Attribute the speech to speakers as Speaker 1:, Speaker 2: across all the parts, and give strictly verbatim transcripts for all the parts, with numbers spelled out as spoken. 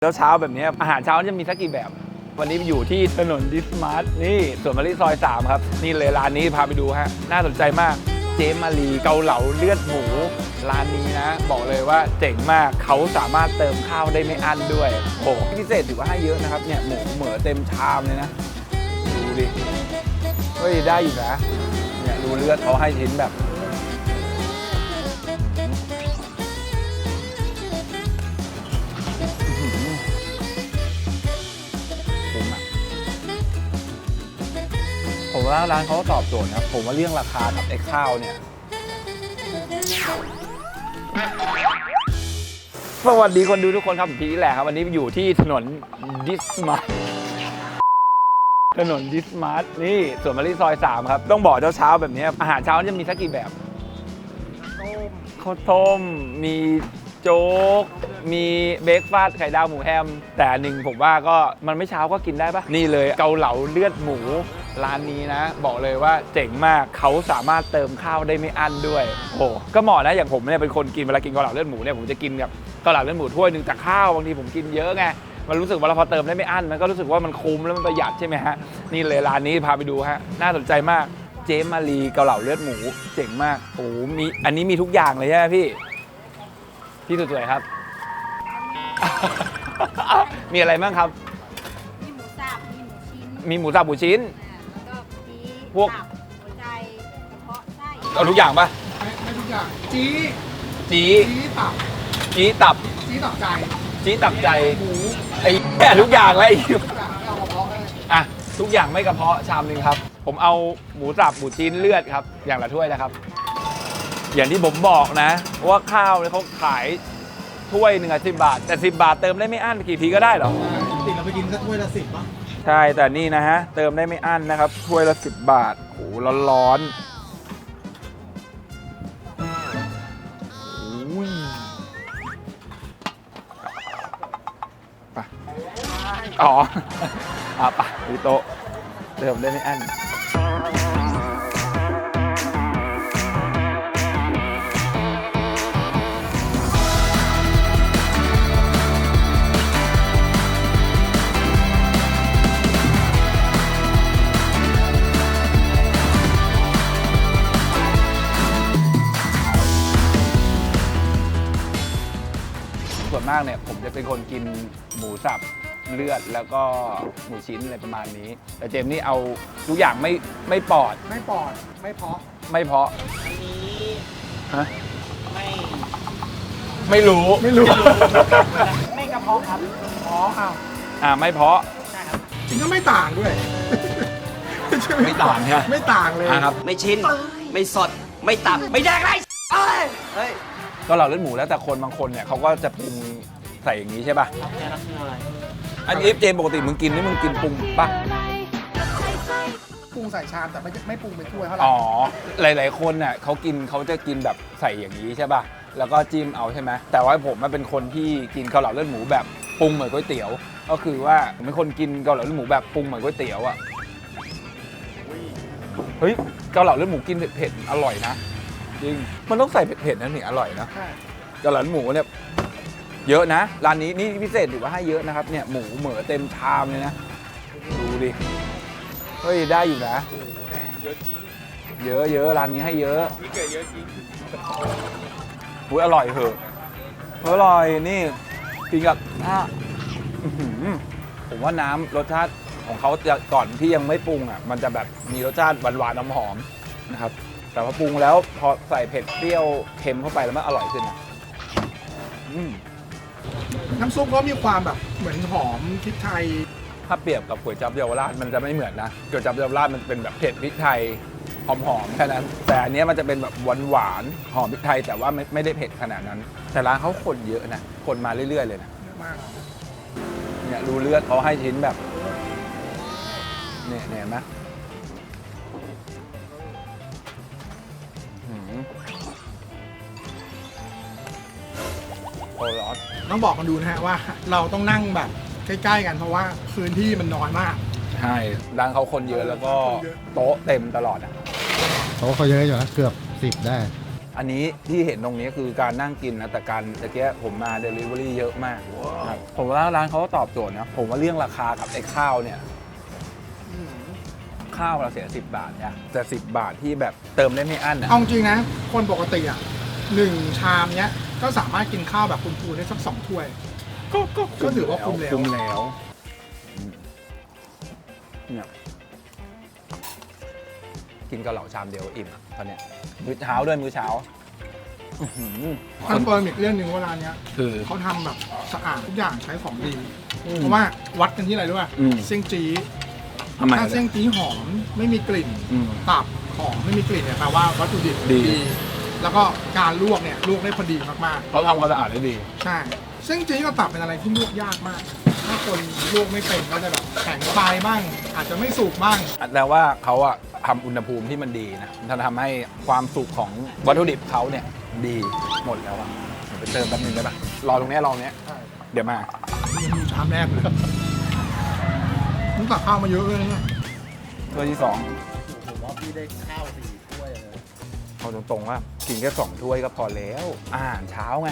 Speaker 1: แล้วเช้าแบบนี้อาหารเช้าจะมีสักกี่แบบวันนี้อยู่ที่ถนนดิสมาร์ทนี่สวนมะลิซอยสามครับนี่เลยร้านนี้พาไปดูฮะน่าสนใจมากเจมารีเกาเหลาเลือดหมูร้านนี้นะบอกเลยว่าเจ๋งมากเขาสามารถเติมข้าวได้ไม่อั้นด้วยโอ้พิเศษถือว่าให้เยอะนะครับเนี่ยหมูเหมือเต็มชามเลยนะดูดิเฮ้ยได้อยู่นะเนี่ยดูเลือดเขาให้ชิ้นแบบผมว่าร้านเขาตอบโจทย์นะผมว่าเรื่องราคากับไอ้ข้าวเนี่ยสวัสดีคนดูทุกคนครับผมพีทแหละครับวันนี้อยู่ที่ถนนดิสมาร์ทถนนดิสมาร์ทนี่สวนมะลิซอยสามครับต้องบอกเช้าๆแบบนี้อาหารเช้าจะมีสักกี่แบบข้าวต้มมีโจ๊กมีเบรกฟาสต์ไข่ดาวหมูแฮมแต่หนึ่งผมว่าก็มันไม่เช้าก็กินได้ปะนี่เลยเกาเหลาเลือดหมูร้านนี้นะบอกเลยว่าเจ๋งมากเขาสามารถเติมข้าวได้ไม่อั้นด้วยโอ้ก็เหมาะนะอย่างผมเนี่ยเป็นคนกินเวลากินเกาเหลาเลือดหมูเนี่ยผมจะกินกับเกาเหลาเลือดหมูถ้วยหนึ่งแต่ข้าวบางทีผมกินเยอะไงมันรู้สึกว่าเราพอเติมได้ไม่อั้นมันก็รู้สึกว่ามันคุ้มแล้วมันประหยัดใช่ไหมฮะนี่เลยร้านนี้พาไปดูฮะน่าสนใจมากเจมารีเกาเหลาเลือดหมูเจ๋งมากโอ้มีอันนี้มีทุกอย่างเลยใช่ไหมพี่พี่สวยๆครับมีอะไรบ้างครับ
Speaker 2: มีหมูสับมีหมูชิ้น
Speaker 1: มีหมูสับหมูชิ้น
Speaker 2: แล้วก็มี
Speaker 1: พวก
Speaker 2: หัวใจกระเพาะไส้
Speaker 1: เอาทุกอย่างปะ
Speaker 3: ไม่ไม่ทุกอย่างจี้
Speaker 1: จี
Speaker 3: จี้ตับ
Speaker 1: จีตับ
Speaker 3: จี้ตับใจ
Speaker 1: จีตับใจ
Speaker 3: หมู
Speaker 1: ไอ้แค่ทุกอย่างเลย
Speaker 3: ทุกอย่างเอากระเพาะเลย
Speaker 1: อ่ะทุกอย่างไม่กระเพาะชามนึงครับผมเอาหมูสับหมูชิ้นเลือดครับอย่างละถ้วยนะครับอย่างที่ผมบอกนะว่าข้าวเนี่ยเขาขายถ้วยหนึ่งอ่ะสิบบาทแต่สิบบาทเติมได้ไม่อั้นกี่ทีก็ได้เหรอ
Speaker 3: ติดเราไปกินสักถ้วยละสิบป่ะ
Speaker 1: ใช่แต่นี่นะฮะเติมได้ไม่อั้นนะครับถ้วยละสิบบาทโอ้โหร้อนๆไปอ๋ออ่ะไปที่โต๊ะเติมได้ไม่อั้นส่วนมากเนี่ยผมจะเป็นคนกินหมูสับเลือดแล้วก็หมูชิ้นอะไรประมาณนี้แต่เจมนี่เอาทุกอย่างไม่ไม่ปอด
Speaker 3: ไม่ปอดไม่เพาะ
Speaker 1: ไม่เพาะ
Speaker 2: อันนี้
Speaker 1: ฮะ
Speaker 2: ไม่
Speaker 1: ไม่รู้
Speaker 3: ไม่รู้
Speaker 2: ไม่กระเพาะครับ
Speaker 3: อ๋ออ้าว
Speaker 1: อ่าไม่เพาะ
Speaker 2: ใช่ครับ
Speaker 3: จริงก็ไม่ต่างด้วย
Speaker 1: ไม่ต่างใช่ไหม
Speaker 3: ไม่ต่างเลย
Speaker 1: ครับ
Speaker 4: ไม่ชิ้นไม่สดไม่ตับไม่แดกไรเอ้ยเฮ้ย
Speaker 1: ก็เราเลือดหมูแล้วแต่คนบางคนเนี่ยเขาก็จะปรุงใส่อย่างนี้ใช่ป่ะอันนี้เจมปกติมึงกินนี่มึงกินปรุงป่ะ
Speaker 3: ปรุงใส่ชามแต่ไม่ไม่ปรุงเป็นถ้วยเท่าไหร่
Speaker 1: อ๋อหลายๆคนเนี่ยเขากินเขาจะกินแบบใส่อย่างนี้ใช่ป่ะแล้วก็จิ้มเอาใช่ไหมแต่ว่าผมมันเป็นคนที่กินเกาเหลาเลือดหมูแบบปรุงเหมือนก๋วยเตี๋ยวก็คือว่าผมเป็นคนกินเกาเหลาเลือดหมูแบบปรุงเหมือนก๋วยเตี๋ยวอ่ะเฮ้ยเกาเหลาเลือดหมูกินเผ็ดๆอร่อยนะจริงมันต้องใส่เผ็ดๆนะนี่อร่อยนะเกาเหลาหมูเนี่ยเยอะนะร้านนี้นี่พิเศษถือว่าให้เยอะนะครับเนี่ยหมูเหมือเต็มชามเลยนะดูดิเฮ้ยได้อยู่นะเยอะจริงเยอะเยอะร้านนี้ให้เยอะนี่เกิดเยอะจริงอุ้ยอร่อยเหอะอร่อยนี่กินกับอ่ะผมว่าน้ำรสชาติของเขาจะก่อนที่ยังไม่ปรุงอ่ะมันจะแบบมีรสชาติหวานๆหอมๆนะครับแต่พอปรุงแล้วพอใส่เผ็ดเปรี้ยวเค็มเข้าไปแล้วมันอร่อยขึ้นนะ
Speaker 3: น้ำซุปก็มีความแบบเหมือนหอมพริกไทย
Speaker 1: ถ้าเปรียบกับก๋วยจั๊บเยาวราชมันจะไม่เหมือนนะก๋วยจั๊บเยาวราชมันเป็นแบบเผ็ดพริกไทยหอมๆแค่นั้นแต่อันนี้มันจะเป็นแบบหวานๆหอมพริกไทยแต่ว่าไม่ไม่ได้เผ็ดขนาดนั้นแต่ร้านเขาคนเยอะนะคนมาเรื่อยๆเลยนะ
Speaker 3: เยอะมาก
Speaker 1: เนี่ยดูเลือดเขาให้ชิ้นแบบเนี่ยเห็นไหมโอ้ร้อน
Speaker 3: ต้องบอกกันดูนะฮะว่าเราต้องนั่งแบบใกล้ๆกันเพราะว่าพื้นที่มันน้อยมาก
Speaker 1: ใช่ร้านเขาคนเยอะแล้วก็โต๊ะเต็มตลอดอ่ะ
Speaker 5: โต๊ะเขาเยอะอยู่นะเกือบสิบได้
Speaker 1: อันนี้ที่เห็นตรงนี้คือการนั่งกินนะแต่การตะเกียผมมาเดลิเวอรี่เยอะมากครับผมว่าร้านเขาก็ตอบโจทย์นะผมว่าเรื่องราคากับไอ้ข้าวเนี่ยข้าวเราเสียสิบบาทเนี่ยแต่สิบบาทที่แบบเติมได้ไม่อั้นอ่ะ
Speaker 3: เอาจริงนะ คนปกติอ่ะหนึ่งชามเนี้ยก็สามารถกินข้าวแบบคุณครูได้สักสองถ้วย
Speaker 1: ก็ก็
Speaker 3: ก็ถือว่าคุ้มแล้ว
Speaker 1: คุ้มแล้วอืมเนี่ยกินกะเหล่าชามเดียวอิ่มอะตอนเนี้ยมื้อเช้าด้วยมื้อเช้าอื้อหือ
Speaker 3: คอนเฟิร์มอีกเรื่องหนึ่งว่าร้านเนี้ย
Speaker 1: คือ
Speaker 3: เขาทำแบบสะอาดทุกอย่างใช้ของดี
Speaker 1: อืม
Speaker 3: เพราะว่าวัดกันที่อะไรด้วย
Speaker 1: อืม
Speaker 3: เสี่ยงจี้
Speaker 1: ทำไม
Speaker 3: ถ้าเสี่ยงจี้หอมไม่มีกลิ่น
Speaker 1: อืม
Speaker 3: ตับหอมไม่มีกลิ่นเนี่ยแปลว่าวัตถุดิบ
Speaker 1: ดี
Speaker 3: แล้วก็การลวกเนี่ยลวกได้พอดีมาก
Speaker 1: เขาทำความสะอาดได้ดี
Speaker 3: ๆใช่เสี่ยงจี้กับตับเป็นอะไรที่ลวกยากมาก ถ้าคนลวกไม่เป็นก็จะแบบแข็งไปบ้างอาจจะไม่สุกบ้าง
Speaker 1: แต่ว่าเขาอะทำอุณหภูมิที่มันดีนะมันทำให้ความสุกของวัตถุดิบเขาเนี่ยดีหมดแล้วอะเดี๋ยวไปเติมแป๊บนึงได้ปะรอตรงเนี้ยรอตรงเนี้ยเดี๋ยวมา
Speaker 3: ยังอยู่ชามแรกเลยมึงตักข้าวมาเยอะเลยเนี่ย
Speaker 1: ถ้วยที่สอง
Speaker 5: ผมว่าพี่ได้ข้าวสี่ถ้วยเลย
Speaker 1: เอาตรงๆว่ากินแค่สองถ้วยก็พอแล้วอาหารเช้าไง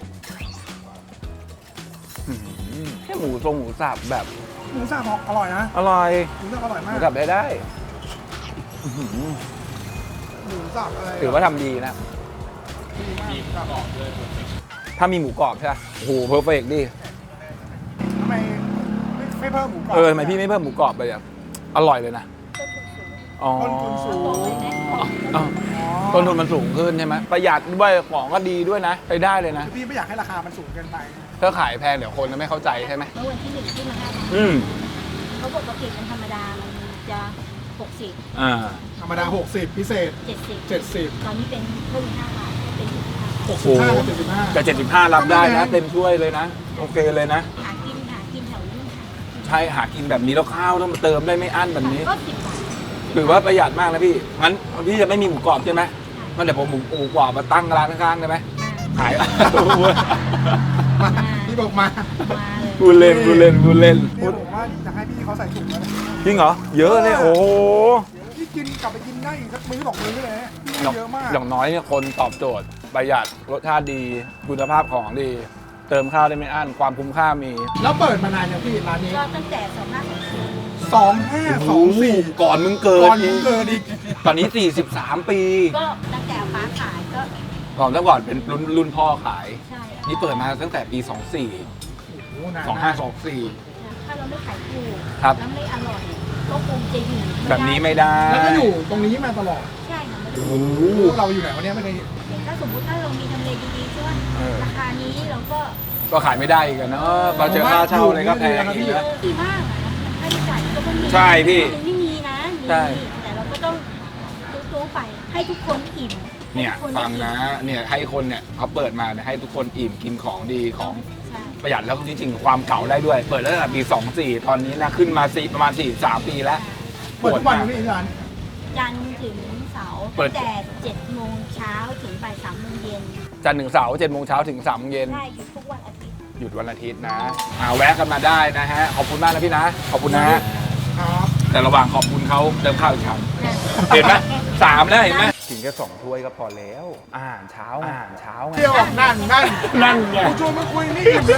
Speaker 1: อื้อหือแค่หมูทรงหมูสับแบบ
Speaker 3: หมูสับอร่อยนะ
Speaker 1: อร่อย
Speaker 3: หมูสับอร่อย
Speaker 1: ห
Speaker 3: มา
Speaker 1: มู
Speaker 3: ก
Speaker 1: สับได้ได้อื้อหือ
Speaker 3: หมูสับอะไร
Speaker 1: ถือว่าทำดีนะ
Speaker 3: ดีมากครับ
Speaker 1: ถ้ามีหมูกรอบใช่ไหมโอ้โหเพอร์เฟกต์ดิ
Speaker 3: ทำไมไม่ไม่เพิ่มหมูกรอบ
Speaker 1: เออทำไมพี่ไม่เพิ่มหมูกรอบไปอ่ะอร่อยเลยนะอ๋อ
Speaker 3: ต้นทุนสูง
Speaker 2: บอกเลยนะ
Speaker 1: อ๋อต้นทุนมันสูงขึ้นใช่ไหมประหยัดด้วยของก็ดีด้วยนะไปได้เลยนะ
Speaker 3: พี่ไม่อยากให้ราคามันสูงเกินไป
Speaker 1: ถ้าขายแพงเดี๋ยวคนจะไม่เข้าใจใช่ไหม
Speaker 2: เมื่อวันที่หนึ่งที่มาห้าบาท
Speaker 1: อืม
Speaker 2: เขาปกติเป็นธรรมดา มันจะหกสิบ
Speaker 1: อ่า
Speaker 3: ธรรมดา หกสิบ พิเศษ
Speaker 2: เจ็ดสิบ
Speaker 3: เจ็ดสิบ
Speaker 2: ตอนนี้เป็นเพิ่มห้าบาทเป็นสิบห้า
Speaker 3: หกสิบห้ากับเจ็ดสิบห้า
Speaker 1: แต่เจ็ดสิบห้ารับได้นะ เต็มถ้วยเลยนะ โอเคเลยนะ
Speaker 2: หากินหากินแถวนี้
Speaker 1: ใช่หากินแบบนี้แล้วข้าวต้องมาเติมได้ไม่อั้นแบบนี้
Speaker 2: ก็สิบบาท
Speaker 1: ถือว่าประหยัดมากนะพี่งั้นพี่จะไม่มีหมูกรอบใช่ไหมงั้นเดี๋ยวผมหมูหมูกรอบมาตั้งร้านข้างๆได้ไหมขาย
Speaker 3: มาพี่บอกมา
Speaker 2: มาเลย
Speaker 1: พูดเล่นพูดเล่นพูดเล่น
Speaker 3: เนี่ยผมว่าจะให้พี่เขาใส่ถุงแล้วนะ
Speaker 1: จริงเหรอเยอะเลยโอ้โห
Speaker 3: พี่กินกลับไปกินได้อีกสักมื้อสองมื้อเลยนะพี่
Speaker 1: อย่าง
Speaker 3: เยอะมาก
Speaker 1: อย่างน้อยเนี่ยคนตอบโจทย์ประหยัดรสชาติดีคุณภาพของดี เติมข้าวได้ไม่อั้นความคุ้มค่ามี
Speaker 3: แล้วเปิดมานานยังพี่ร้านนี้
Speaker 2: ก็ตั้งแต่สองห้าสองสี่
Speaker 3: สองห้าสองสี่
Speaker 1: ก่อนมึงเกิด
Speaker 3: ก่อนผมเกิดอีก
Speaker 1: ตอนนี้สี่สิบสามปี
Speaker 2: ก็ตั้งแต่ฟ้าขายก็
Speaker 1: ก่อนตั้งก่อนเป็นรุ่นรุ่นพ่อขาย
Speaker 2: ใช่
Speaker 1: นี่เปิดมาตั้งแต่ปีสองสี่
Speaker 3: โอ้โหนาน
Speaker 1: สองห้าสองสี่
Speaker 2: ถ้าเราไม่ขายถูก
Speaker 1: ครับ
Speaker 2: แล้วไม่อร่อย ก็คงจะอยู่ไม่ได้
Speaker 1: แบบนี้ไม่ได้
Speaker 3: แล้วก็อยู่ตรงนี้มาตลอด
Speaker 2: ใช่ค่ะมัน
Speaker 1: โอ้โห
Speaker 3: เราอยู่ไหนวันนี้ไม่เคย
Speaker 2: ถ้าสมมติถ้าเรามีทำเลดีๆใช่ไหม
Speaker 1: เออ
Speaker 2: ราคานี้เราก็
Speaker 1: ก็ขายไม่ได้อีกอะเนาะพอเจอค่าเช่าอะไรก็แพงอีกนะ
Speaker 2: ดีมากอะค่าใช้จ่ายก็ไม่มี
Speaker 1: ใช่พี่
Speaker 2: มันไม่มีนะมี
Speaker 1: ใช่
Speaker 2: แต่เราก็ต้องตู้ๆไปให้ทุกคนอิ่ม
Speaker 1: เนี่ย
Speaker 2: ให้ทุกค
Speaker 1: ฟังนะเนี่ยให้คนเนี่ยเขาเปิดมาเนี่ยให้ทุกคนอิ่มกินของดีของ
Speaker 2: ใช่
Speaker 1: ประหยัดแล้วจริงๆความเก่าได้ด้วย เปิดตั้งแต่ปีสองสี่ตอนนี้นะขึ้นมาสี่ประมาณสี่สามปีแล้ว
Speaker 3: เปิดทุกวันอยู่ที่ร้าน
Speaker 2: จันทร์ถึงเสาร์
Speaker 1: เปิด
Speaker 2: ตั้งแต่เจ็ดโมงเช้าถึงบ่ายสามโมงเย็น
Speaker 1: จันทร์ถึงเสาร์เจ็ดโมงเช้าถึงสามโมงเย็น
Speaker 2: ใช่หยุดทุกวันอาทิตย์
Speaker 1: หยุดวันอาทิตย์นะอ่าแวะกันมาได้นะฮะขอบคุณมากนะพี่นะขอบคุณนะฮะ
Speaker 3: ครับ
Speaker 1: แต่ระหว่างขอบคุณเขาเติมข้าวอีกชามเห็นไหมสามแล้วเห็นไหมกินแค่สองถ้วยก็พอแล้วอาหารเช้าอาหารเช้าไง
Speaker 3: เที่ยวออกนั่นนั่น
Speaker 1: นั่นไง
Speaker 3: กูชวนมาคุยนี่อิ่มเลย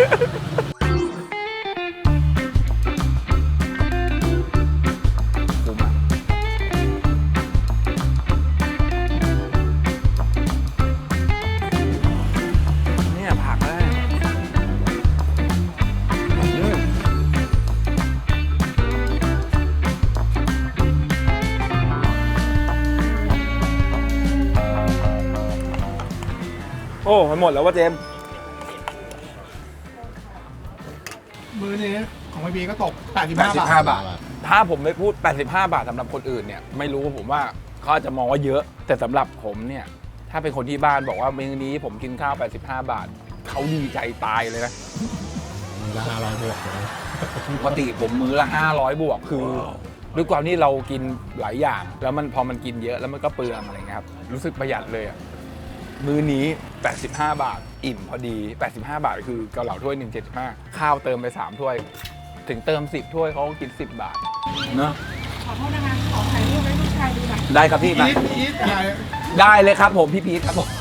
Speaker 1: คุ้มอ่ะเนี่ยผักได้อืมโอ้มันหมดแล้วว่าเจมส์
Speaker 3: มื้อนี้ของพี่บีก็ตกแปดสิบ
Speaker 1: แปดสิบห้า
Speaker 3: ห้าบาท
Speaker 1: บาท ถ้าผมไม่พูด แปดสิบห้า บาทสำหรับคนอื่นเนี่ย ไม่รู้ผมว่าเขาอาจจะมองว่าเยอะ แต่สำหรับผมเนี่ย ถ้าเป็นคนที่บ้านบอกว่ามื้อนี้ผมกินข้าว แปดสิบห้า บาท เขาดีใจตายเลยนะ
Speaker 5: ราคาร้อยบวกเลย
Speaker 1: ปกติผมมื้อละ ห้าร้อย บวก คือด้วยความที่เรากินหลายอย่าง แล้วมันพอมันกินเยอะแล้วมันก็เปลืองอะไรเงี้ยครับ รู้สึกประหยัดเลยอะมื้อนี้ แปดสิบห้า บาท อิ่มพอดี แปดสิบห้า บาทคือเกาเหลาถ้วยหนึ่ง เจ็ดสิบห้า ข้าวเติมไปสามถ้วย ถึงเติมสิบถ้วยเขาก็กินสิบบาทเนอะ
Speaker 3: ขอโทษนะคะขอถ่ายรูปให้ลูกชายดูหน่อย
Speaker 1: ได้ครับพี่มา
Speaker 3: อีทอีทอะไร
Speaker 1: ได้เลยครับผมพี่พีทครับผม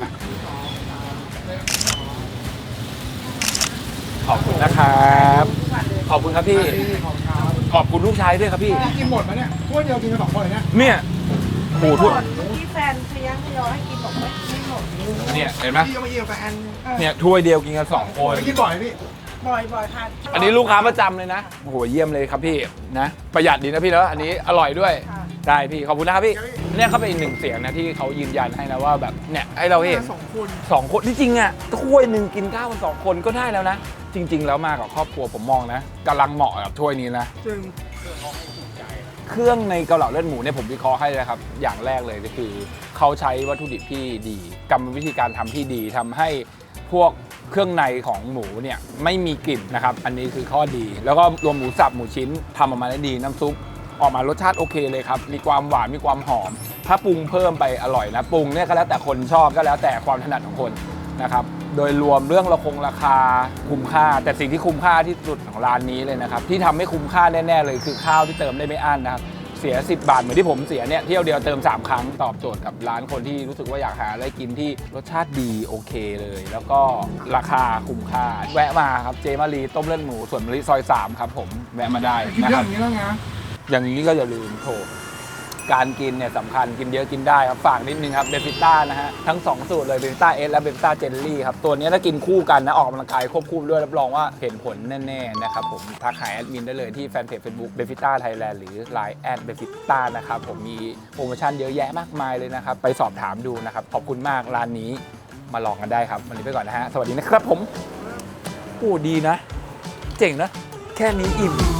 Speaker 1: ขอบคุณนะครับขอบคุณครับพี่
Speaker 3: ของเขา
Speaker 1: ขอบคุณลูกชายด้วยครับพี่
Speaker 3: กินหมดไหมเนี่ยถ้วยเดียวกินกันสองคนเลยเนี่ย
Speaker 1: เนี่ยโอ้โหทุก
Speaker 6: ที่แฟนพยังพยอให้กินบอกไม่ไม่หมด
Speaker 1: เนี่ยเห็นไหม
Speaker 3: พี่ก็มาเยี่ยมแฟน
Speaker 1: เนี่ยถ้วยเดียวกินกันสองคน
Speaker 3: ไปกินบ่อยไหมพี่
Speaker 6: บ่อยบ่อยค่ะ
Speaker 1: อันนี้ลูกค้าประจำเลยนะโอ้โหเยี่ยมเลยครับพี่นะประหยัดดีนะพี่เนาะอันนี้อร่อยด้วยได้พี่ขอบคุณนะครับพี่เนี่ยเขาเป็นอีกหนึ่งเสียงนะที่เขายืนยันให้นะว่าแบบเนี่ยให้เราเห็น
Speaker 3: สองคน
Speaker 1: สองคนที่จริงอ่ะถ้วยหนึ่งกินข้าวกันสองคนก็ได้แล้วนะ จริง ๆ แล้วมากับครอบครัวผมมองนะกำลังเหมาะกับถ้วยนี้นะ
Speaker 3: จึง
Speaker 1: เครื่องในเกาเหลาเลือดหมูเนี่ยผมวิเคราะห์ให้เลยครับอย่างแรกเลยก็คือเขาใช้วัตถุดิบที่ดีกรรมวิธีการทำที่ดีทำให้พวกเครื่องในของหมูเนี่ยไม่มีกลิ่นนะครับอันนี้คือข้อดี แล้วก็รวมหมูสับหมูชิ้นทำออกมาได้ดีน้ำซุปออกมารสชาติโอเคเลยครับมีความหวานมีความหอม ถ้าปรุงเพิ่มไปอร่อยนะปรุงเนี่ยก็แล้วแต่คนชอบก็แล้วแต่ความถนัดของคนนะครับโดยรวมเรื่องราคงราคาคุ้มค่า แต่สิ่งที่คุ้มค่าที่สุดของร้านนี้เลยนะครับที่ทำให้คุ้มค่าแน่ๆเลยคือข้าวที่เติมได้ไม่อั้นนะครับเสียสิบบาทเหมือนที่ผมเสียเนี่ยเที่ยวเดียวเติมสามครั้งตอบโจทย์กับร้านคนที่รู้สึกว่าอยากหาอะไรกินที่รสชาติดีโอเคเลย แล้วก็ราคาคุ้มค่าแวะมาครับเจมารีต้มเลือดหมูส่วนมะลิซอยสามครับผมแวะมาได้
Speaker 3: กิน
Speaker 1: นะ
Speaker 3: เย
Speaker 1: ค
Speaker 3: อะ
Speaker 1: รับ
Speaker 3: อย่างนี้แล้วไง
Speaker 1: อย่างนี้ก็อย่าลืมโถการกินเนี่ยสำคัญกินเยอะกินได้ครับฝากนิดนึงครับเบฟิต้านะฮะทั้งสองสูตรเลยเบฟิต้าเอสและเบฟิต้าเจลลี่ครับตัวนี้ถ้ากินคู่กันนะออกกำลังกายควบคู่ด้วยรับรองว่าเห็นผลแน่ๆนะครับผมทักหาแอดมินได้เลยที่แฟนเพจ Facebook เบฟิต้าไทยแลนด์หรือ ไลน์ แอดเบฟิต้านะครับผมมีโปรโมชั่นเยอะแยะมากมายเลยนะครับไปสอบถามดูนะครับขอบคุณมากร้านนี้มาลองกันได้ครับวันนี้ไปก่อนนะฮะสวัสดีนะครับผมโอ้ดีนะ เจ๋งนะแค่นี้อิ่ม